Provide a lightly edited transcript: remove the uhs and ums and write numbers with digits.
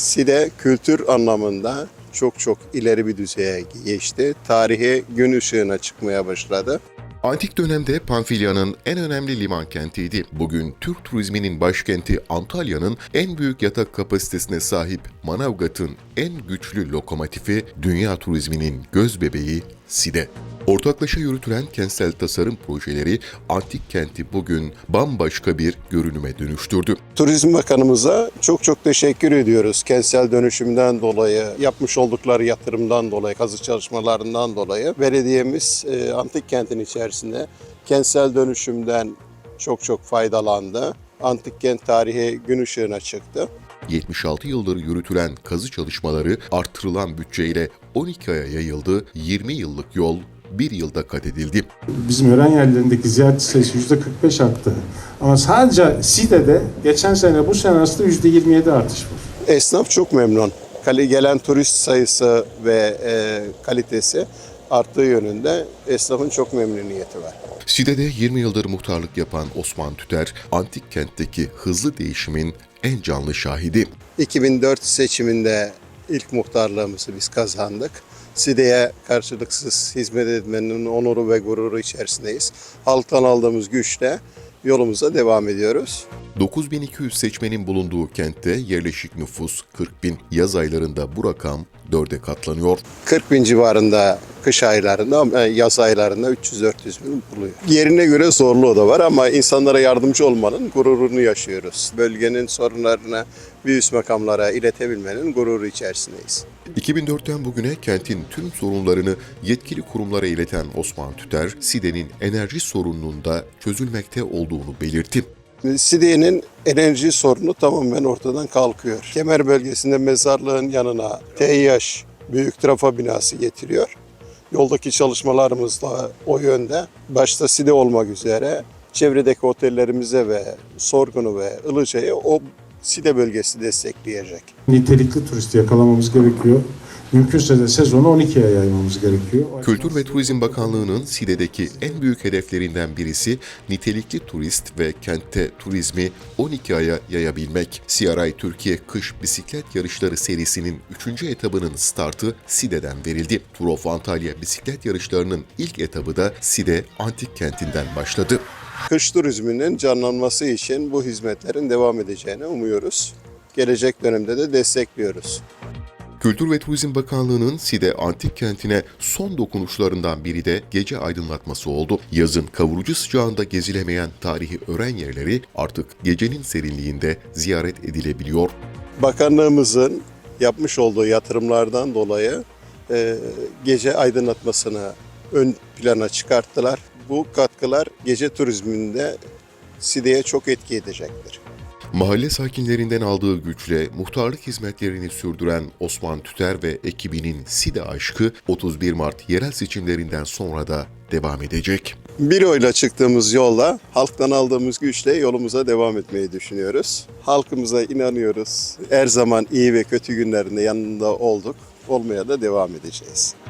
Side kültür anlamında çok ileri bir düzeye geçti. Tarihi gün ışığına çıkmaya başladı. Antik dönemde Panfilya'nın en önemli liman kentiydi. Bugün Türk turizminin başkenti Antalya'nın en büyük yatak kapasitesine sahip Manavgat'ın en güçlü lokomotifi, dünya turizminin gözbebeği Side. Ortaklaşa yürütülen kentsel tasarım projeleri antik kenti bugün bambaşka bir görünüme dönüştürdü. Turizm Bakanımıza çok teşekkür ediyoruz. Kentsel dönüşümden dolayı, yapmış oldukları yatırımdan dolayı, kazı çalışmalarından dolayı. Belediyemiz antik kentin içerisinde kentsel dönüşümden çok faydalandı. Antik kent tarihi gün ışığına çıktı. 76 yıldır yürütülen kazı çalışmaları artırılan bütçeyle 12 aya yayıldı, 20 yıllık yol 1 yılda kat edildi. Bizim öğren yerlerindeki ziyaretçi sayısı %45 arttı. Ama sadece Side'de geçen sene bu sene arasında %27 artış var. Esnaf çok memnun. Gelen turist sayısı ve kalitesi arttığı yönünde esnafın çok memnuniyeti var. Side'de 20 yıldır muhtarlık yapan Osman Tüter, antik kentteki hızlı değişimin en canlı şahidi. 2004 seçiminde ilk muhtarlığımızı biz kazandık. Side'ye karşılıksız hizmet etmenin onuru ve gururu içerisindeyiz. Halktan aldığımız güçle yolumuza devam ediyoruz. 9200 seçmenin bulunduğu kentte yerleşik nüfus 40 bin. Yaz aylarında bu rakam 4'e katlanıyor. 40 bin civarında kış aylarında ama yaz aylarında 300-400 bin buluyor. Yerine göre zorluğu da var ama insanlara yardımcı olmanın gururunu yaşıyoruz. Bölgenin sorunlarını bir üst makamlara iletebilmenin gururu içerisindeyiz. 2004'ten bugüne kentin tüm sorunlarını yetkili kurumlara ileten Osman Tüter, Side'nin enerji sorununun da çözülmekte olduğunu belirtti. Side'nin enerji sorunu tamamen ortadan kalkıyor. Kemer bölgesinde mezarlığın yanına TİH büyük trafo binası getiriyor. Yoldaki çalışmalarımız da o yönde. Başta Side olmak üzere çevredeki otellerimize ve Sorgun'u ve Ilıca'yı o Side bölgesi destekleyecek. Nitelikli turisti yakalamamız gerekiyor. Mümkünse de sezonu 12'ye yaymamız gerekiyor. Kültür ve Turizm Bakanlığı'nın Side'deki en büyük hedeflerinden birisi nitelikli turist ve kentte turizmi 12 aya yayabilmek. CRI Türkiye Kış Bisiklet Yarışları serisinin 3. etabının startı Side'den verildi. Tour of Antalya bisiklet yarışlarının ilk etabı da Side Antik Kenti'nden başladı. Kış turizminin canlanması için bu hizmetlerin devam edeceğini umuyoruz. Gelecek dönemde de destekliyoruz. Kültür ve Turizm Bakanlığı'nın Side Antik Kenti'ne son dokunuşlarından biri de gece aydınlatması oldu. Yazın kavurucu sıcağında gezilemeyen tarihi öğren yerleri artık gecenin serinliğinde ziyaret edilebiliyor. Bakanlığımızın yapmış olduğu yatırımlardan dolayı gece aydınlatmasını ön plana çıkarttılar. Bu katkılar gece turizminde Side'ye çok etki edecektir. Mahalle sakinlerinden aldığı güçle muhtarlık hizmetlerini sürdüren Osman Tüter ve ekibinin Side aşkı 31 Mart yerel seçimlerinden sonra da devam edecek. Bir oyla çıktığımız yolla halktan aldığımız güçle yolumuza devam etmeyi düşünüyoruz. Halkımıza inanıyoruz. Her zaman iyi ve kötü günlerinde yanında olduk. Olmaya da devam edeceğiz.